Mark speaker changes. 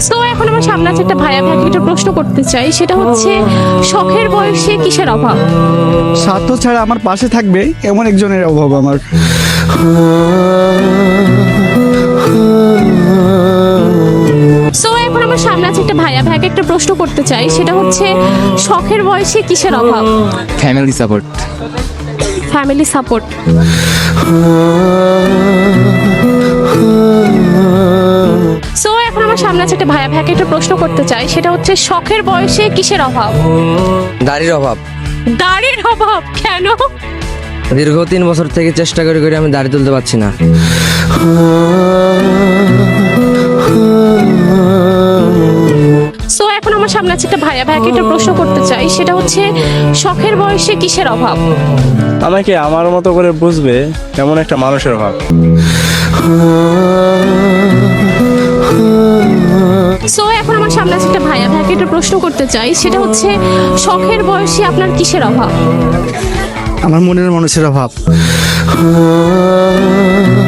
Speaker 1: So এখন আমার সামনে আছে একটা ভাইয়া ভাইকে একটা প্রশ্ন করতে চাই, সেটা হচ্ছে শখের বয়সে কিসের অভাব?
Speaker 2: স্বার্থ ছাড়া আমার পাশে থাকবে এমন একজনের অভাব আমার।
Speaker 1: সো এখন আমার সামনে আছে একটা ভাইয়া ভাইকে একটা প্রশ্ন করতে চাই, সেটা হচ্ছে শখের বয়সে কিসের অভাব?
Speaker 3: Family support.
Speaker 1: Family support. So এখন আমার সামনে আছে একটা ভাইয়া ভাইকে একটা প্রশ্ন করতে চাই, সেটা হচ্ছে শখের বয়সে কিসের অভাব?
Speaker 4: দাড়ির অভাব।
Speaker 1: দাড়ির অভাব কেন?
Speaker 4: দীর্ঘ 3 বছর থেকে চেষ্টা করে করে আমি দাড়ি তুলতে পারছি না।
Speaker 1: সো এখন আমার সামনে আছে একটা ভাইয়া ভাইকে একটা প্রশ্ন করতে চাই, সেটা হচ্ছে শখের বয়সে কিসের অভাব?
Speaker 5: আমাকে আমার মতো করে বুঝবে এমন একটা মানুষের অভাব।
Speaker 1: সো এখন আমার সামনে আছে একটা ভাইয়া ভাইকে একটা প্রশ্ন করতে চাই, সেটা হচ্ছে শখের বয়সে আপনার কিসের অভাব?
Speaker 2: আমার মনের মানুষের অভাব।